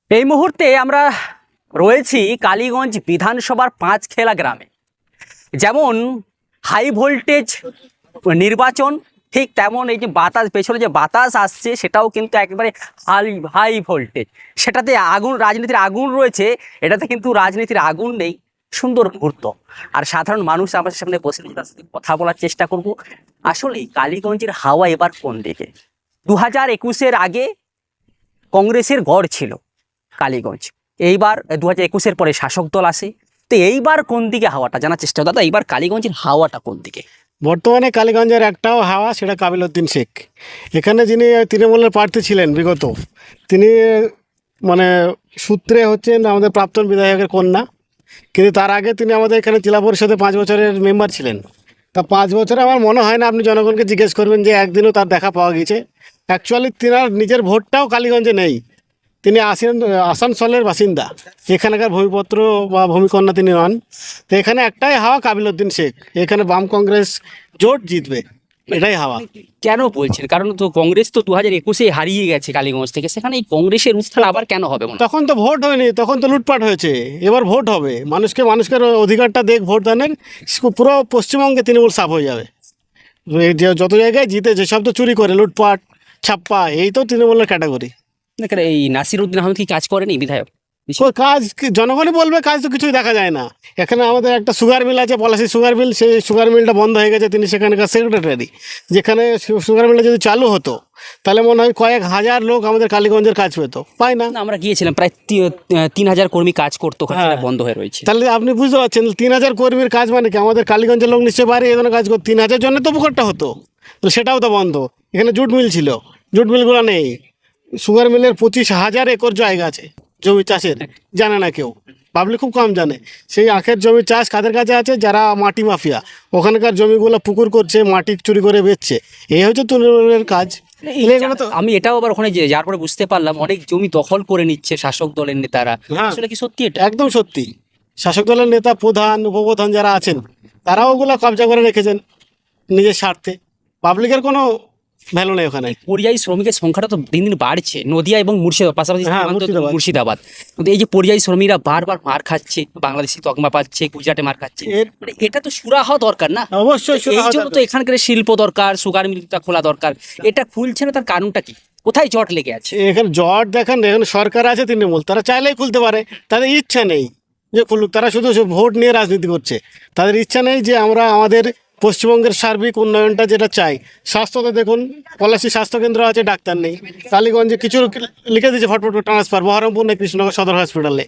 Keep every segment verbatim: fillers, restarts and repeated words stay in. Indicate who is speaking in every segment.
Speaker 1: এই মুহূর্তে আমরা রয়েছি কালীগঞ্জ বিধানসভার পাঁচখেলা গ্রামে। যেমন হাই ভোল্টেজ নির্বাচন, ঠিক তেমন এই যে বাতাস, পেছনে যে বাতাস আসছে সেটাও কিন্তু একেবারে হাই হাই ভোল্টেজ। সেটাতে আগুন, রাজনীতির আগুন রয়েছে, এটাতে কিন্তু রাজনীতির আগুন নেই। সুন্দর মুহূর্ত। আর সাধারণ মানুষ আমাদের সামনে বসে তার সাথে কথা বলার চেষ্টা করব। আসলে কালীগঞ্জের হাওয়া এবার কোন দিকে? দু হাজার একুশের আগে কংগ্রেসের গড় ছিল কালীগঞ্জ, এইবার দু হাজার একুশের পরে শাসক দল আসে। তো এইবার কোন দিকে হাওয়াটা জানার চেষ্টা, দাদা এইবার কালীগঞ্জের হাওয়াটা কোন দিকে?
Speaker 2: বর্তমানে কালীগঞ্জের একটাও হাওয়া, সেটা কাবিল উদ্দিন শেখ। এখানে যিনি তৃণমূলের প্রার্থী ছিলেন বিগত, তিনি মানে সূত্রে হচ্ছেন আমাদের প্রাক্তন বিধায়কের কন্যা, কিন্তু তার আগে তিনি আমাদের এখানে জেলা পরিষদে পাঁচ বছরের মেম্বার ছিলেন। তা পাঁচ বছরে আমার মনে হয় না আপনি জনগণকে জিজ্ঞেস করবেন যে একদিনও তার দেখা পাওয়া গেছে। অ্যাকচুয়ালি তিনার নিজের ভোটটাও কালীগঞ্জে নেই, তিনি আসেন আসানসোলের বাসিন্দা, এখানকার ভূমিপত্র বা ভূমিকন্যা তিনি নন। তো এখানে একটাই হাওয়া, কাবিল উদ্দিন শেখ। এখানে বাম কংগ্রেস জোট জিতবে, এটাই হাওয়া।
Speaker 1: কেন বলছেন? কারণ তো কংগ্রেস তো দু হাজার একুশে হারিয়ে গেছে কালীগঞ্জ থেকে, সেখানে এই কংগ্রেসের উত্থান আবার কেন হবে?
Speaker 2: তখন তো ভোট হয়নি, তখন তো লুটপাট হয়েছে। এবার ভোট হবে, মানুষকে মানুষকে অধিকারটা দেখ ভোট দানের। পুরো পশ্চিমবঙ্গে তৃণমূল সাফ হয়ে যাবে। এই যে যত জায়গায় জিতে, যেসব তো চুরি করে, লুটপাট ছাপ্পা, এই তো তৃণমূলের ক্যাটাগরি।
Speaker 1: দেখেন এই নাসির উদ্দিন আহমেদ কি কাজ করেনি বিধায়ক?
Speaker 2: ওই কাজ কি- জনগণই বলবে, কাজ তো কিছুই দেখা যায় না। এখানে আমাদের একটা সুগার মিল আছে, পলাশি সুগার মিল, সেই সুগার মিলটা বন্ধ হয়ে গেছে। তিনি সেখানকার সেক্রেটারি। যেখানে সু- সুগার মিলটা যদি চালু হতো তাহলে মনে হয় কয়েক হাজার লোক আমাদের কালীগঞ্জের কাজ পেতো, পায় না।
Speaker 1: না, আমরা গিয়েছিলাম, প্রায় তি- তিন হাজার কর্মী কাজ করতো, ওখানে
Speaker 2: হ্যাঁ।
Speaker 1: সেটা বন্ধ হয়ে রয়েছে।
Speaker 2: তাহলে আপনি বুঝতে পারছেন তিন হাজার কর্মীর কাজ মানে কি? আমাদের কালীগঞ্জের লোক নিশ্চয়ই বাইরে এই ধরনের কাজ করতো, তিন হাজার জনের তো উপকারটা হতো। তো সেটাও তো বন্ধ। এখানে জুট মিল ছিল, জুট মিলগুলো নেই। সুগার মিলের পঁচিশ হাজার একর জায়গা আছে জমি চাষের, জানে না কেউ, পাবলিক খুব কম জানে। সেই আখের জমি চাষ কাদের কাছে আছে? যারা মাটি মাফিয়া, ওখানকার জমিগুলো পুকুর করছে, মাটি চুরি করে বেচছে। এই হচ্ছে তৃণমূলের কাজ। এগুলো তো
Speaker 1: আমি এটাও আবার ওখানে যে যার পরে বুঝতে পারলাম অনেক জমি দখল করে নিচ্ছে শাসক দলের নেতারা।
Speaker 2: হ্যাঁ।
Speaker 1: আসলে কি সত্যি এটা?
Speaker 2: একদম সত্যি। শাসক দলের নেতা, প্রধান, উপপ্রধান যারা আছেন, তারাও ওগুলো কবজা করে রেখেছেন নিজের স্বার্থে। পাবলিকের কোনো ভ্যালু নেই ওখানে।
Speaker 1: পরিযায়ী শ্রমিকের সংখ্যাটা তো দিন দিন বাড়ছে, নদিয়া এবং মুর্শিদাবাদ, পাশাপাশি
Speaker 2: হ্যাঁ,
Speaker 1: সীমান্ত
Speaker 2: মুর্শিদাবাদ।
Speaker 1: মুর্শিদাবাদ। কিন্তু এই যে পরিযায়ী শ্রমিকরা বারবার মার খাচ্ছে, বাংলাদেশি তকমা পাচ্ছে, গুজরাটে মার খাচ্ছে,
Speaker 2: এর-
Speaker 1: মানে এটা তো সুরা হওয়া দরকার না?
Speaker 2: অবশ্যই সুরা
Speaker 1: এই
Speaker 2: হওয়া
Speaker 1: জন্য তো
Speaker 2: দরকার।
Speaker 1: এখানকার শিল্প দরকার, সুগার মিলটা খোলা দরকার। এটা খুলছে না, তার কারণটা কি? কোথায় জট লেগে আছে?
Speaker 2: এখানে জট দেখেন, এখানে সরকার আছে তৃণমূল, তারা চাইলেই খুলতে পারে, তাদের ইচ্ছা নেই যে খুলুক। তারা শুধু শুধু ভোট নিয়ে রাজনীতি করছে। তাদের ইচ্ছা নেই যে আমরা আমাদের পশ্চিমবঙ্গের সার্বিক উন্নয়নটা যেটা চাই। স্বাস্থ্যতে দেখুন, পলাশি স্বাস্থ্যকেন্দ্র আছে, ডাক্তার নেই। কালীগঞ্জে কিছু লিখে দিয়েছে ফটফট ট্রান্সফার, বহরমপুর নেই, কৃষ্ণনগর সদর হসপিটালে।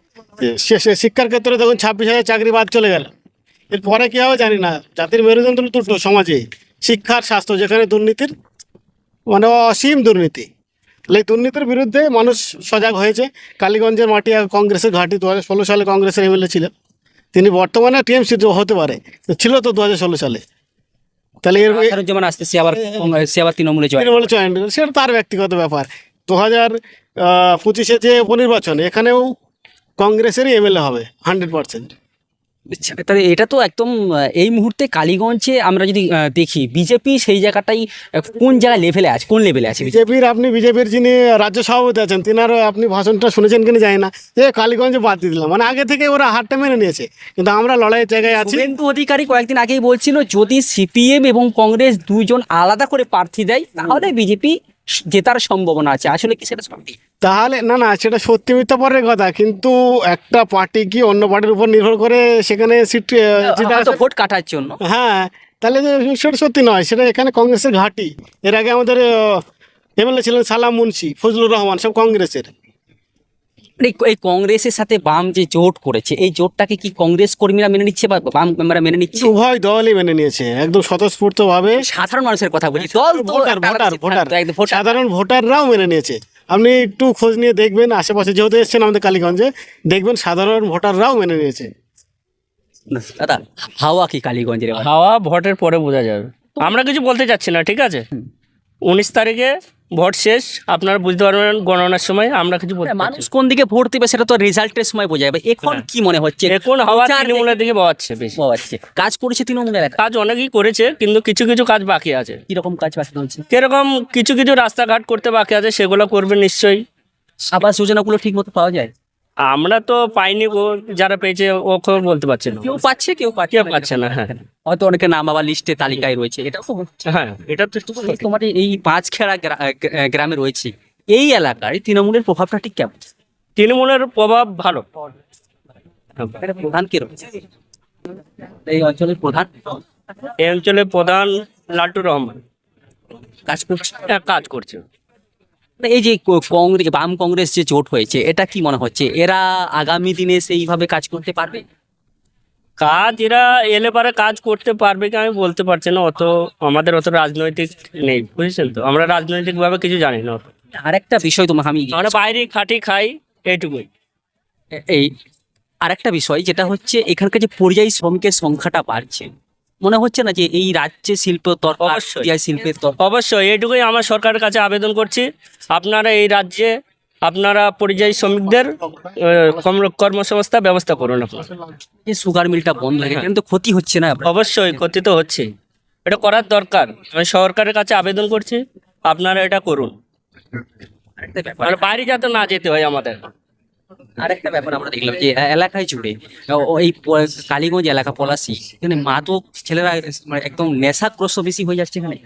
Speaker 2: শেষে শিক্ষার ক্ষেত্রে দেখুন ছাব্বিশ হাজার চাকরি বাদ চলে গেল। এরপরে কী হবে জানি না। জাতির মেরুদণ্ড দুটো সমাজে, শিক্ষার, স্বাস্থ্য, যেখানে দুর্নীতির মানে অসীম দুর্নীতি। এই দুর্নীতির বিরুদ্ধে মানুষ সজাগ হয়েছে। কালীগঞ্জের মাটি আর কংগ্রেসের ঘাঁটি। দু হাজার ষোলো সালে কংগ্রেসের এমএলএ ছিলেন তিনি, বর্তমানে টিএমসি হতে পারে, ছিল তো দু হাজার ষোলো সালে। তাহলে এর
Speaker 1: যেমন আসতে সে আবার সে আবার তৃণমূলে জয়।
Speaker 2: তৃণমূলে জয়েন, সেটা তার ব্যক্তিগত ব্যাপার। দু হাজার পঁচিশে যে উপনির্বাচন, এখানেও কংগ্রেসেরই এমএলএ হবে হান্ড্রেড পার্সেন্ট।
Speaker 1: আচ্ছা, তাহলে এটা তো একদম আহ, এই মুহূর্তে কালীগঞ্জে আমরা যদি আহ, দেখি বিজেপি সেই জায়গাটাই আহ, কোন জায়গায় লেভেলে আছে, কোন লেভেলে আছে?
Speaker 2: বিজেপির, আপনি বিজেপির যিনি রাজ্য সভাপতি আছেন, তিনার আপনি ভাষণটা শুনেছেন কিনা জানি না, যে কালীগঞ্জে বাদ দিয়ে দিলাম, মানে আগে থেকে ওরা হারটা মেনে নিয়েছে। কিন্তু আমরা লড়াইয়ের জায়গায় আছি।
Speaker 1: শুভেন্দু অধিকারী কয়েকদিন আগেই বলছিল যদি সিপিএম এবং কংগ্রেস দুইজন আলাদা করে প্রার্থী দেয় তাহলে বিজেপি জেতার সম্ভাবনা আছে। আসলে কি সেটা সত্যি?
Speaker 2: তাহলে না না, সেটা সত্যি মিথ্যা পরের কথা, কিন্তু একটা পার্টি কি অন্য পার্টির উপর নির্ভর করে সেখানে সিট জিতে
Speaker 1: হয়তো
Speaker 2: আসে?
Speaker 1: ভোট কাটার জন্য।
Speaker 2: হ্যাঁ, তাহলে যে সেটা সত্যি নয়, সেটা এখানে কংগ্রেসের ঘাঁটি। এর আগে আমাদের এমএলএ ছিলেন সালাম মুন্সি, ফজলুর রহমান, সব কংগ্রেসের।
Speaker 1: এই এই কংগ্রেসের সাথে বাম যে জোট করেছে, এই জোটটাকে কি কংগ্রেস কর্মীরা মেনে নিচ্ছে বা বাম মেম্বাররা মেনে নিচ্ছে?
Speaker 2: উভয় দলই মেনে নিয়েছে একদম স্বতঃস্ফূর্ত ভাবে।
Speaker 1: সাধারণ মানুষের কথা বলছি, দল তো
Speaker 2: ভোটার
Speaker 1: একটা
Speaker 2: ভোটার
Speaker 1: আলাদা
Speaker 2: ভোটার
Speaker 1: একদম ভোটার।
Speaker 2: সাধারণ ভোটাররাও মেনে নিয়েছে। আপনি একটু খোঁজ নিয়ে দেখবেন, আশেপাশে যেহেতু এসছেন আমাদের কালীগঞ্জে, দেখবেন সাধারণ ভোটাররাও মেনে নিয়েছে।
Speaker 1: দাদা, হাওয়া কি কালীগঞ্জের এবার?
Speaker 3: হাওয়া ভোটের পরে বোঝা যাবে। আমরা কিছু বলতে চাচ্ছি না, ঠিক আছে? উনিশ তারিখে ভোট শেষ, আপনারা বুঝতে পারবেন গণনার সময়। আমরা কিছু বলতে
Speaker 1: মানুষ
Speaker 3: পারছি
Speaker 1: কোন দিকে ভোট দিবে সেটা তো রেজাল্টের সময় বোঝা যাবে। এখন কি মনে হচ্ছে?
Speaker 3: না। এখন হাওয়া
Speaker 1: প্রচার
Speaker 3: তৃণমূলের দিকে বওয়াচ্ছে বেশি।
Speaker 1: পাওয়াচ্ছে। কাজ করেছে তৃণমূল এলাকা?
Speaker 3: কাজ অনেকেই করেছে, কিন্তু কিছু কিছু কাজ বাকি আছে।
Speaker 1: কিরকম কাজ বাকি রয়েছে?
Speaker 3: কিরকম? কিছু কিছু রাস্তাঘাট করতে বাকি আছে, সেগুলো করবে নিশ্চয়ই।
Speaker 1: আবাস যোজনাগুলো ঠিক মতো পাওয়া যায়?
Speaker 3: আমরা তো পাইনি গো, যারা পেয়েছে ও খবর বলতে পারছে না।
Speaker 1: কেউ পাচ্ছে কেউ পাচ্ছে
Speaker 3: কেউ
Speaker 1: না।
Speaker 3: পাচ্ছে না, হ্যাঁ
Speaker 1: হয়তো অনেকে নাম আবার লিস্টে তালিকায় রয়েছে, এটা তো
Speaker 3: হ্যাঁ এটা তো
Speaker 1: তোমার এই পাঁচখেড়া গ্রা- গ্রা- গ্রামে রয়েছে, এই এলাকায় তৃণমূলের প্রভাবটা ঠিক কেমন?
Speaker 3: তৃণমূলের প্রভাব ভালো।
Speaker 1: এখানে প্রধান কে রয়েছে এই অঞ্চলের প্রধান?
Speaker 3: এই অঞ্চলের প্রধান লাট্টু রহমান
Speaker 1: কাজ করছে।
Speaker 3: হ্যাঁ, কাজ করছে।
Speaker 1: এই যে ক- কংগ্রেস বাম কংগ্রেস যে জোট হয়েছে, এটা কি মনে হচ্ছে এরা আগামী দিনে সেইভাবে কাজ করতে পারবে?
Speaker 3: কাজ এরা এলে পারে কাজ করতে পারবে কি আমি বলতে পারছি না, অত আমাদের অত রাজনৈতিক নেই, বুঝেছেন তো, আমরা রাজনৈতিক ভাবে কিছু জানি না অত।
Speaker 1: আরেকটা বিষয় তোমাকে আমি
Speaker 3: আমরা বাইরে খাটি খাই এইটুকুই।
Speaker 1: এই আরেকটা বিষয় যেটা হচ্ছে এখানকার যে পরিযায়ী শ্রমিকের সংখ্যাটা বাড়ছে, মনে হচ্ছে না যে এই রাজ্যে শিল্প দরকার,
Speaker 3: অবশ্যই।
Speaker 1: পরিযায়ী শিল্পের দরকার?
Speaker 3: অবশ্যই এইটুকুই আমার সরকারের কাছে আবেদন করছি, আপনারা এই রাজ্যে আপনারা পরিযায়ী শ্রমিকদের আহ, কর্ম- কর্মসংস্থান ব্যবস্থা করুন আপনারা।
Speaker 1: এই সুগার মিলটা বন্ধ হয়ে গেছে, কিন্তু ক্ষতি হচ্ছে না?
Speaker 3: অবশ্যই ক্ষতি তো হচ্ছে, এটা করার দরকার, আমি সরকারের কাছে আবেদন করছি আপনারা এটা করুন,
Speaker 1: আরেকটা ব্যাপার
Speaker 3: মানে বাইরে যাতে না যেতে হয় আমাদের।
Speaker 1: আরেকটা ব্যাপার আমরা দেখলাম যে এ- এলাকায় জুড়ে ও- এই প- কালীগঞ্জ এলাকা পলাশি, এখানে মাদক ছেলেরা মানে একদম নেশাগ্রস্ত বেশি হয়ে যাচ্ছে এখানে,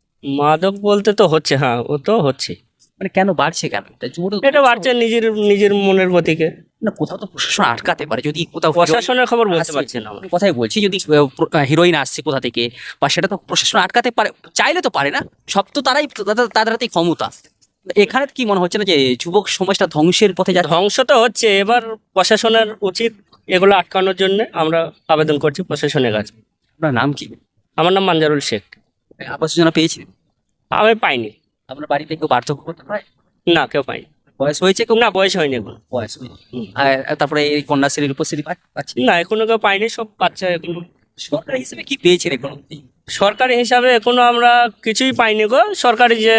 Speaker 3: মাদক বলতে তো হচ্ছে, হ্যাঁ ও তো হচ্ছে,
Speaker 1: মানে কেন বাড়ছে কেন? এটা জোরে
Speaker 3: এটা বাড়ছে নিজের নিজের মনের গতিকে।
Speaker 1: না, কোথাও তো প্রশাসন আটকাতে পারে, যদি কোথাও
Speaker 3: প্রশাসনের খবর বলতে
Speaker 1: আসছে,
Speaker 3: পারছি না আমরা।
Speaker 1: কথাই বলছি, যদি হিরোইন আসছে কোথা থেকে বা সেটা তো প্রশাসন আটকাতে পারে, চাইলে তো পারে না, সব তো তারাই তাদের তাদের হাতেই ক্ষমতা। এখানে কি মনে হচ্ছে না যে যুবক সমাজটা ধ্বংসের পথে যাচ্ছে?
Speaker 3: ধ্বংস তো হচ্ছে, এবার প্রশাসনের উচিত এগুলো আটকানোর জন্য আমরা আবেদন করছি প্রশাসনের কাছে।
Speaker 1: আপনার নাম কি?
Speaker 3: আমার নাম মানজারুল শেখ।
Speaker 1: আবাস যোজনা পেয়েছেন?
Speaker 3: আমি পাইনি।
Speaker 1: আপনার বাড়িতে কেউ বার্ধক্য করতে পারে?
Speaker 3: না, কেউ পাইনি।
Speaker 1: বয়স হয়েছে কেউ?
Speaker 3: না, বয়স হয়নি এখন।
Speaker 1: বয়স হয়েছে। আর তারপরে এই কন্যাশ্রী রূপশ্রী পা- পাচ্ছে?
Speaker 3: না, এখনো কেউ পাইনি, সব বাচ্চা এখন।
Speaker 1: সরকার হিসেবে কি পেয়েছেন এখন?
Speaker 3: সরকারি হিসাবে এখনো আমরা কিছুই পাইনি গো, সরকারি যে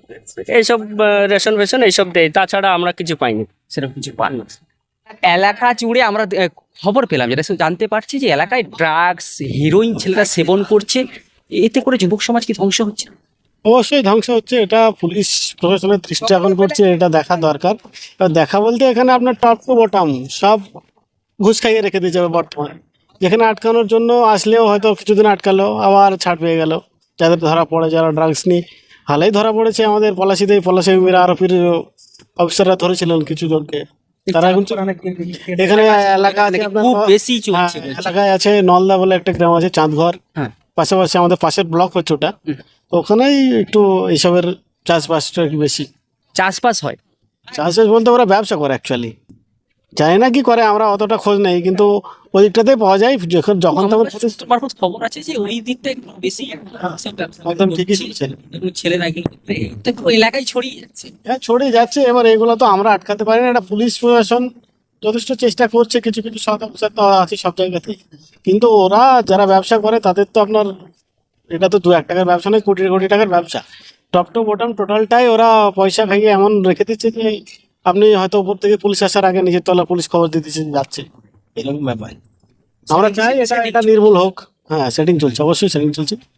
Speaker 3: এইসব আহ, রেশন ফেশন এইসব দেয়, তাছাড়া আমরা কিছু পাইনি।
Speaker 1: সেরকম কিছু পান না। এলাকা জুড়ে আমরা আহ, খবর পেলাম, যেটা শুধু জানতে পারছি যে এলাকায় ড্রাগস, হিরোইন ছেলেরা সেবন করছে, এতে করে যুবক সমাজ কি ধ্বংস হচ্ছে?
Speaker 2: অবশ্যই ধ্বংস হচ্ছে, এটা পুলিশ প্রশাসনের দৃষ্টি আকর্ষণ করছে, এটা দেখা দরকার। এবার দেখা বলতে এখানে আপনার টপ টু বটম সব ঘুষ খাইয়ে রেখে দিয়ে যাবে বর্তমানে। যেখানে আটকানোর জন্য আসলেও হয়তো কিছুদিন আটকালো, আবার ছাড় পেয়ে গেল। যাদের ধরা পড়ে, যারা ড্রাগস নিয়ে হালেই ধরা পড়েছে আমাদের পলাশিতেই, পলাশি আরপির অফিসাররা ধরেছিলেন কিছু জনকে, তারা এখন এখানে এলাকা আছে আপনার,
Speaker 1: খুব বেশি
Speaker 2: হ্যাঁ,
Speaker 1: চলছে বলছে।
Speaker 2: এলাকায় আছে নলদা বলে একটা গ্রাম আছে, চাঁদঘর,
Speaker 1: হ্যাঁ।
Speaker 2: পাশাপাশি আমাদের পাশের ব্লক হচ্ছে ওটা, তো ওখানেই একটু এইসবের চাষবাসটা একটু বেশি।
Speaker 1: চাষবাস হয়?
Speaker 2: চাষবাস বলতে ওরা ব্যবসা করে অ্যাকচুয়ালি, জানি না কি করে, আমরা অতটা খোঁজ নেই, কিন্তু ওই দিকটাতেই পাওয়া যায়, যখন যখন তখন
Speaker 1: আমাদের সূত্র মারফত খবর আছে যে ওই দিকটা একটু বেশি সব ব্যবসা
Speaker 2: একদম ঠিকই শুনছেন।
Speaker 1: এবং ছেলেরা এগুলো করে, এটা পুরো এলাকায় ছড়িয়ে যাচ্ছে।
Speaker 2: হ্যাঁ, ছড়িয়ে যাচ্ছে। এবার এগুলো তো আমরা আটকাতে পারি না, এটা পুলিশ প্রশাসন যথেষ্ট চেষ্টা করছে, কিছু কিছু সৎ অফিসার তো আছে সব জায়গাতেই, কিন্তু ওরা যারা ব্যবসা করে তাদের তো আপনার, এটা তো দু এক টাকার ব্যবসা নয়, কোটি কোটি টাকার ব্যবসা, টপ টু বটম টোটালটাই ওরা পয়সা খাইয়ে এমন রেখে দিচ্ছে যে আপনি হয়তো উপর থেকে পুলিশ আসার আগে নিজের তলা পুলিশ খবর দিয়ে দিচ্ছে যাচ্ছে, এরকম ব্যাপার। আমরা চাই এটা এটা নির্মূল হোক। হ্যাঁ, সেটিং চলছে, অবশ্যই সেটিং চলছে।